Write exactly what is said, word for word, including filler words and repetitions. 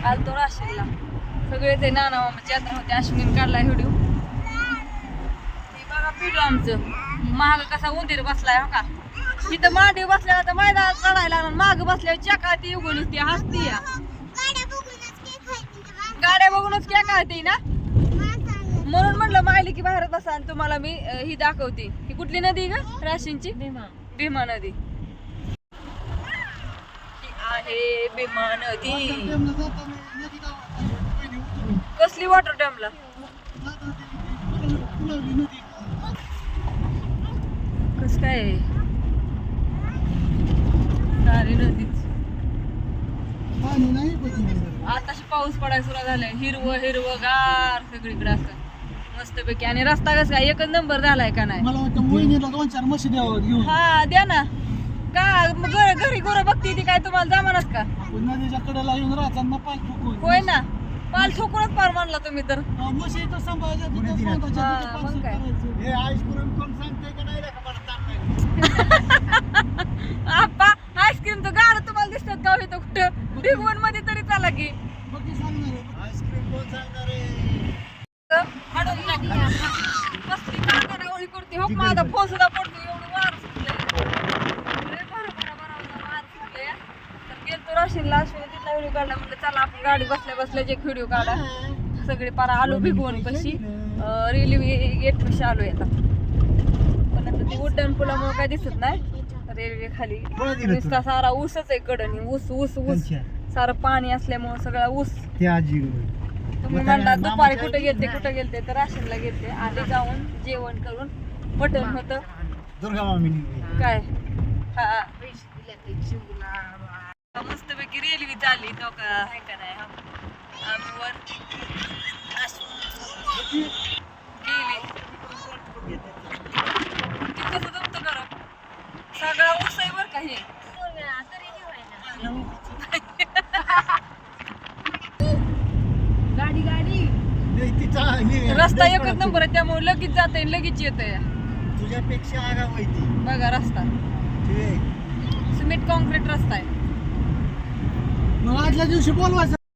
आलतो राशीला सगळे ते नाना मामाची यात्रा होती. अश्विन काढलाय व्हिडिओ. हे बघा पिढू आमचं महाग कसा उंदीर बसलाय हो का. इथं मांडी बसल्यावर तर मैदानात चढायला लागला, माग बसल्यावर चका ती उगून ती हसती या. गाड्या बघूनच क्या कळते ना, म्हणून म्हणलं मायली की बाहेर बसा आणि तुम्हाला मी ही दाखवते. ही कुठली नदी का राशींची? भीमा. भीमा नदी आहे. भीमा नदी कसली वॉटर डॅमला कस काय सारी नदीच. आताशी पाऊस पडायला सुरू झालाय. हिरवं हिरवं गार सगळीकडे असं मस्तपैकी. आणि रस्ता कसा काय एकच नंबर झालाय का नाही. मला वाटतं मोहिनीला दोन चार म्हशी द्यावं घेऊन. हा द्या ना का घर घरी गोरं बघती ती काय तुम्हाला जमानाच का. नदीच्या कडेला येऊन राहताना पाय ठोकून. होय ना पाल ठोकूनच पार मानला तुम्ही तर. म्हशी तर सांभाळायच्या तिथं स्वतःच्या हा, तिथं मग पार्सल काय. करायचं. हे आईस्क्रीम कोण सांगते का नाही रे का मला ताण नाही. आप्पा आईस्क्रीम तर गाड तुम्हाला दिसतात का इथं कुठं भिगवण मध्ये तरी चला की. मग ती सांगणार आहे. आईस्क्रीम कोण सांगणार रे. हाडून टाकली. कसली कानाडावळी करते हो माझा फोन सुद्धा पडतो एवढं वार सुटलंय. लय बरं बरं बरं वार सुटलंय. तर गेलतो राशीनला. अश्विनी तिथला व्हिडिओ काढला. म्हणलं चला आपण गाडी बसल्या बसल्या एक व्हिडिओ काढा. सगळे पारा आलो भिगवण कशी रेल्वे गेट कशी आलोय आता. पण आता ती उड्डाण पुलामुळे काय दिसत नाही. रेल्वे खाली नुसता सारा ऊसच आहे कडणी. ऊस ऊस ऊस सारं पाणी असल्यामुळे सगळा ऊस. ते आजी तुम्ही म्हणला दुपारी कुठे गेलते कुठे गेलते तर राशीनला गेलते. आधी जाऊन जेवण करून मटण होतं दुर्गा मामीनी काय. हा मस्तपैकी रेल्वे चालली तो का आहे का नाही. आम्ही वर गेली ती कसं जमतं करा सगळा ऊस आहे बर का हे. गाडी गाडी रस्ता एकच नंबर आहे त्यामुळे लगेच जात लगेच येत. तुझ्यापेक्षा आगाव माहिती बघा रस्ता सिमेंट कॉन्क्रीट रस्ता आहे. मग आदल्या दिवशी बोलवायचं.